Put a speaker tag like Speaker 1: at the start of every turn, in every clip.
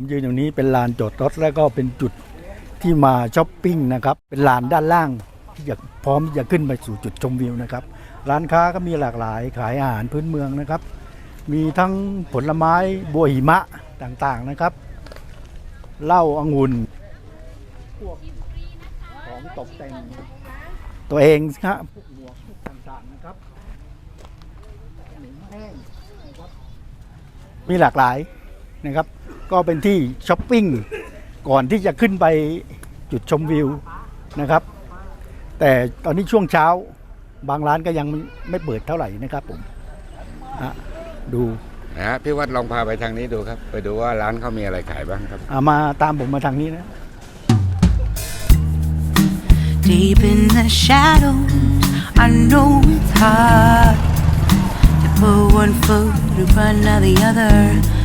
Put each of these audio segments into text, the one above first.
Speaker 1: ผมยืนอยู่นี้เป็นลานจอดรถแล้วก็เป็นจุดที่มาช้อปปิ้งนะครับเป็นลานด้านล่างที่จะพร้อมจะขึ้นไปสู่จุดชมวิวนะครับร้านค้าก็มีหลากหลายขายอาหารพื้นเมืองนะครับมีทั้งผลไม้บัวหิมะต่างๆนะครับเหล้าองุ่นพวกของตกแต่งตัวเองครับพวกหมวกพวกต่างๆนะครับขนมแห้งนะครับมีหลากหลายนะครับก็เป็นที่ช้อปปิ้งก่อนที่จะขึ้นไปจุดชมวิวนะครับแต่ตอนนี้ช่วงเช้าบางร้านก็ยังไม่เปิดเท่าไหร่นะครับผมดู
Speaker 2: นะฮะพี่วัดลองพาไปทางนี้ดูครับไปดูว่าร้านเขามีอะไรขายบ้างครับ
Speaker 1: มาตามผมมาทางนี้นะ
Speaker 3: Deep in the shadows I know it's hard to put one foot in front of the other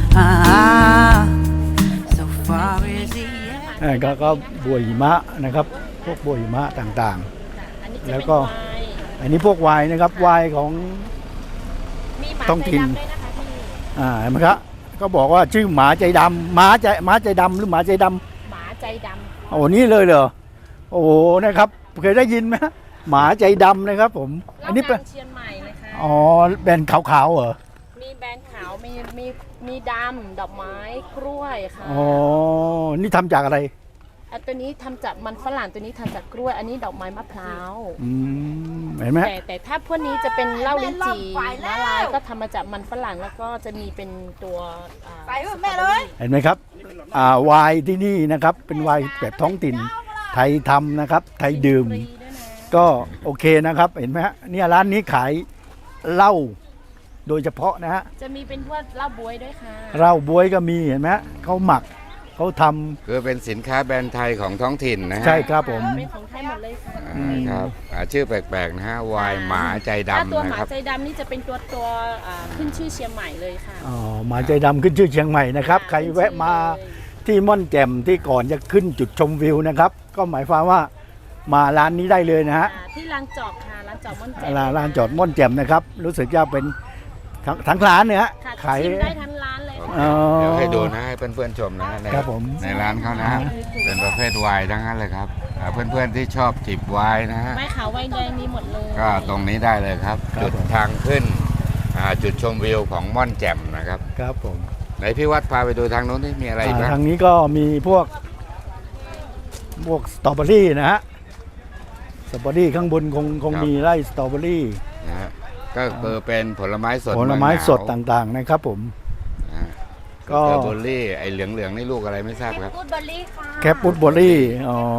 Speaker 3: so far is the end
Speaker 1: ก็บัวหิมะนะครับพวกบัวหิมะต่างๆแล้วก็อันนี้พวกไวน์นะครับไวน์ของท้องถิ่นเห็นไหมครับก็บอกว่าชื่อหมาใจดำหมาใจดำหรือหมาใจดำ
Speaker 4: หมาใจดำ
Speaker 1: โอ้นี่เลยเหรอโอ้โหนะครับเคยได้ยินไหมหมาใจดำนะครับผมอันนี้เป็น
Speaker 4: เชียงใหม่เลยค่ะ
Speaker 1: อ๋อแบรนด์ขาวๆเหรอ
Speaker 4: มีแบรนด์ขาวมีดำดอกไม้กล้วยค่ะ
Speaker 1: อ๋อนี่ทำจากอะไร
Speaker 4: อันตัวนี้ทำจากมันฝรั่งตัวนี้ทำจากกล้วยอันนี้ดอกไม้มะพร้าว
Speaker 1: เห็นไหม
Speaker 4: แต่ถ้าพวกนี้จะเป็นเหล้าลิ้นจี่มะลายก็ทำมาจากมันฝรั่งแล้วก็จะมีเป็นตัว
Speaker 3: ไปแม่เลย
Speaker 1: เห็นไหมครับไวน์ที่นี่นะครับเป็นไวน์แบบท้องถิ่นไทยทำนะครับไทยดื่มก็โอเคนะครับเห็นไหมฮะเนี่ยร้านนี้ขายเหล้าโดยเฉพาะนะฮะ
Speaker 4: จะมีเป็นพวกเหล้าบ๊วยด้วยค่ะ
Speaker 1: เหล้าบ๊วยก็มีเห็นไหมเขาหมักเขาทำ
Speaker 2: คือเป็นสินค้าแบรนด์ไทยของท้องถิ่นนะฮะ
Speaker 1: ใช่ครับผม
Speaker 4: เป็นของไทยหมดเลยค่ะ
Speaker 2: ครับชื่อแปลกๆนะฮะวายหมาใจดำ
Speaker 4: ตัวหมาใจดำนี่จะเป็นตัวขึ้นชื่อเชียงใหม่เลยค่ะ
Speaker 1: อ๋อหมาใจดำขึ้นชื่อเชียงใหม่นะครับใครแวะมาที่ม่อนแจ่มที่ก่อนจะขึ้นจุดชมวิวนะครับก็หมายความว่ามาร้านนี้ได้เลยนะฮะ
Speaker 4: ที่ลานจอดค่ะลานจอดม่อนแจ่ม
Speaker 1: ร้านจอดม่อนแจ่มนะครับรู้สึกจะเป็นทั้งร้านเนี่ย
Speaker 4: ขายได้ทั้งร้านเลย
Speaker 2: เดี๋ยวให้ดูนะให้เพื่อนๆชมนะในร้านเขานะเป็นประเภทไวน์ทั้งนั้นเลยครับเพื่อนๆที่ชอบจิบไวน์นะฮะ
Speaker 4: ไม้ขาวไวน์แดงมีหมดเลย
Speaker 2: ก็ตรงนี้ได้เลยครับจุดทางขึ้นจุดชมวิวของม่อนแจ่มนะครับ
Speaker 1: ครับผม
Speaker 2: ไหนพี่วัดพาไปดูทางโน้นที่มีอะไรบ้าง
Speaker 1: ทางนี้ก็มีพวกสตรอเบอรี่นะฮะสตรอเบอรี่ข้างบนคงมีไร่สตรอเบอรี่
Speaker 2: นะฮะก็คือเป็นผลไม้
Speaker 1: สดต่างๆนะครับผม
Speaker 2: ก็สตรอเบอรี่ไอ้เหลืองๆนี่ลูกอะไรไม่ทราบครับ
Speaker 1: แคปปูดเบอรี่อ๋อ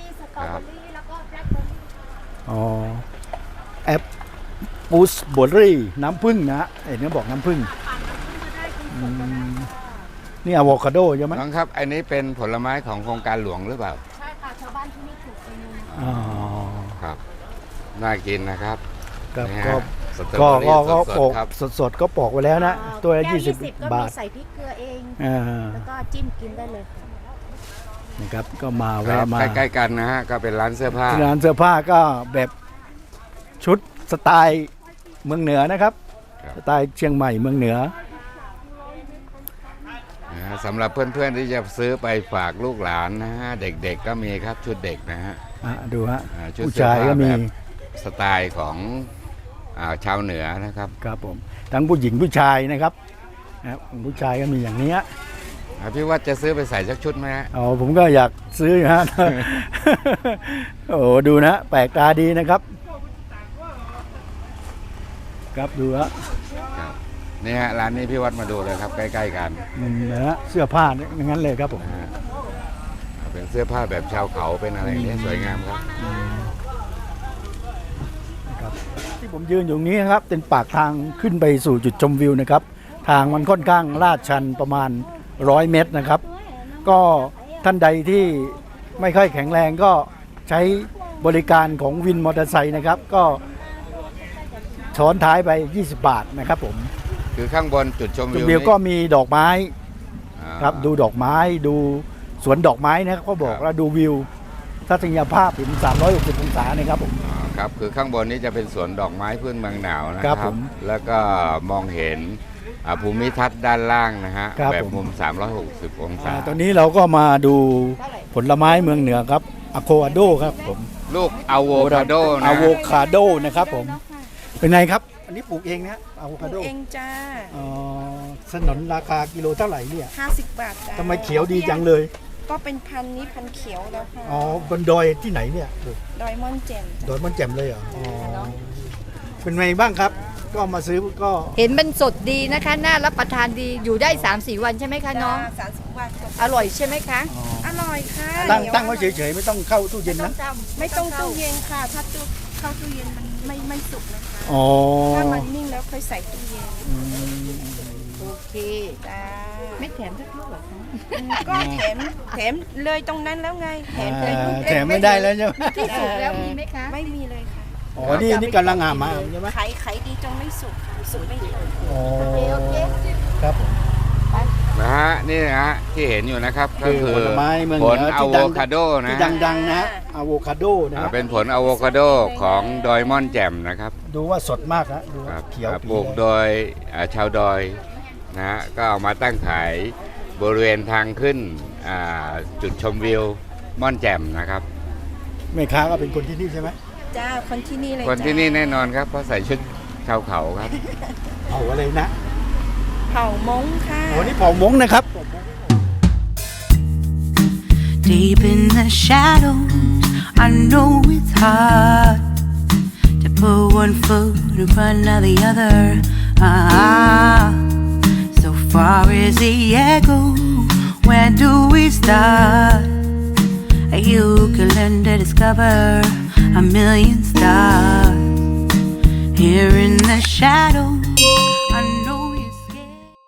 Speaker 1: แอปปูสเบอรี่น้ำผึ้งนะเห็นเขาบอกน้ำผึ้งนี่อะโวคาโดใช่ไหม
Speaker 2: น้องครับอันนี้เป็นผลไม้ของโครงการหลวงหรือเปล่า
Speaker 4: ใช่ค่ะชาวบ้านที่นี่ปลูกเอง
Speaker 2: ครับน่ากินนะครับ
Speaker 1: ก็ปอกสดๆก็ปอกไว้แล้วนะตัวละ20 บาท
Speaker 4: ใส่พริกเกลือเองแล้วก็จิ้มกินได้เลย
Speaker 1: นะครับก็มาแวะมา
Speaker 2: ใกล้ๆกันนะฮะก็เป็นร้านเสื้อผ้า
Speaker 1: ก็แบบชุดสไตล์เมืองเหนือนะครับสไตล์เชียงใหม่เมืองเหนือ
Speaker 2: สำหรับเพื่อนๆที่จะซื้อไปฝากลูกหลานนะฮะเด็กๆก็มีครับชุดเด็กนะฮะ
Speaker 1: ดูฮะผู้ชายก็มี
Speaker 2: สไตล์ของชาวเหนือนะครับ
Speaker 1: ครับผมทั้งผู้หญิงผู้ชายนะครับผู้ชายก็มีอย่างนี้
Speaker 2: พี่ว่าจะซื้อไปใส่สักชุดไหมฮะ
Speaker 1: ผมก็อยากซื้อฮะโอ้ดูนะแปลกตาดีนะครับครับดูฮะ
Speaker 2: นี่ฮะร้านนี้พี่วัดมาดูเลยครับใกล้ๆกัน
Speaker 1: นะฮะเสื้อผ้าอย่างนั้นเลยครับผม
Speaker 2: เป็นเสื้อผ้าแบบชาวเขาเป็นอะไรนี่สวยงามครับ
Speaker 1: ที่ผมยืนอยู่นี้ครับเป็นปากทางขึ้นไปสู่จุดชมวิวนะครับทางมันค่อนข้างลาดชันประมาณ100 เมตรนะครับก็ท่านใดที่ไม่ค่อยแข็งแรงก็ใช้บริการของวินมอเตอร์ไซค์นะครับก็ช้อนท้ายไป20 บาทนะครับผม
Speaker 2: คือข้างบนจุดชม
Speaker 1: วิวก็มีดอกไม้ครับดูดอกไม้ดูสวนดอกไม้นะครับก็บอกแล้วดูวิวทัศนียภาพถึง360 องศานะครับผม
Speaker 2: ครับคือข้างบนนี้จะเป็นสวนดอกไม้พื้นเมืองหนาวนะครับแล้วก็มองเห็นภูมิทัศน์ด้านล่างนะฮะ
Speaker 1: ครับ
Speaker 2: แบบ
Speaker 1: ผม
Speaker 2: มุม 360 องศา
Speaker 1: ตอนนี้เราก็มาดูผลไม้เมืองเหนือครับอะโวคาโดครับผม
Speaker 2: ลูกอะโวคาโดนะ
Speaker 1: อะโวคาโดนะครับผมเป็นไงครับอันนี้ปลูกเองนะอะโวคาโด
Speaker 5: เองจ้า
Speaker 1: อ๋อสนนราคากิโลเท่าไหร่เนี่ย
Speaker 5: 50 บาทจ้า
Speaker 1: ทำไมเขียวดีจังเลย
Speaker 5: ก็เป็นพันธุ์นี้พันธุ์เขียวแล้วค่ะ
Speaker 1: อ๋อบนดอยที่ไหนเนี่ย
Speaker 5: ดอยม่อนแจ่ม
Speaker 1: ดอยมันแจ่มเลยเหรออ๋อเป็นไงบ้างครับ ก็มาซื้อก็
Speaker 6: เห็นมันสดดีนะคะ น่ารับประทานดี อยู่ได้ 3-4 วันใช่ไหมคะน้อง
Speaker 5: 30 บาทก็
Speaker 6: อร่อยใช่ไหมคะ
Speaker 5: อร่อยค่ะ
Speaker 1: ตั้งไว้เฉยๆไม่ต้องเข้าตู้เย็นนะ
Speaker 5: ไม่ต้องตู้เย็นค่ะ ถ้าตู้เข้าตู้เย็นมันไม่สุกนะคะ
Speaker 1: อ๋อ
Speaker 5: ถ้ามันนิ่งแล้วค่อยใส่ตู้เย็น
Speaker 6: โอเค
Speaker 5: จ้า
Speaker 6: ไม่แถมสักลูกเหรอคะ
Speaker 5: ก็แถมเลยตรงนั้นแล้วไงแถมเลยลูก
Speaker 1: แถมไม่ได้แล้วใช่ไหม
Speaker 6: ที่สุดแล้วมีไหมคะ
Speaker 5: ไม่มีเลยค่ะ
Speaker 1: อ๋อนี่กำลังหามาใช่ไหม
Speaker 5: ไข่ดีจนไม่สุกค่ะสุกไม่ถึง
Speaker 1: อ๋อครับผม
Speaker 2: นะฮะนี่นะฮะที่เห็นอยู่นะครับก็
Speaker 1: คือ
Speaker 2: คือ
Speaker 1: ผลไม้เมือง
Speaker 2: ผ
Speaker 1: เห
Speaker 2: ล
Speaker 1: นือ
Speaker 2: อะ
Speaker 1: ที่
Speaker 2: โวคาโดนะ
Speaker 1: ที่
Speaker 2: ฮะ
Speaker 1: ดังๆนะอะโวคาโดนะ
Speaker 2: เป็นผลอะโวคาโดของดอยม่อนแจ่มนะครับ
Speaker 1: ดูว่าสดมากนะดู
Speaker 2: ครับ
Speaker 1: เขียว
Speaker 2: ป
Speaker 1: ปี
Speaker 2: ลูกโดยชาวดอยนะฮะก็เอามาตั้งขายบริเวณทางขึ้นจุดชมวิวม่อนแจ่มนะครับ
Speaker 1: แม่ค้าก็เป็นคนที่นี่ใช่ไหม
Speaker 5: จ้าคนที่นี่เลย
Speaker 2: คนที่นี่แน่นอนครับเพราะใส่ชุดชาวเขาครับ
Speaker 1: เอาอะไรนะ
Speaker 5: เผ่ามงค่ะ
Speaker 1: โอ้นี่เผ่ามงนะครับ
Speaker 3: Deep in the shadows, I know it's hard to put one foot in front of the other. So far as the echo, where do we start? You can learn to discover a million stars here in the shadows.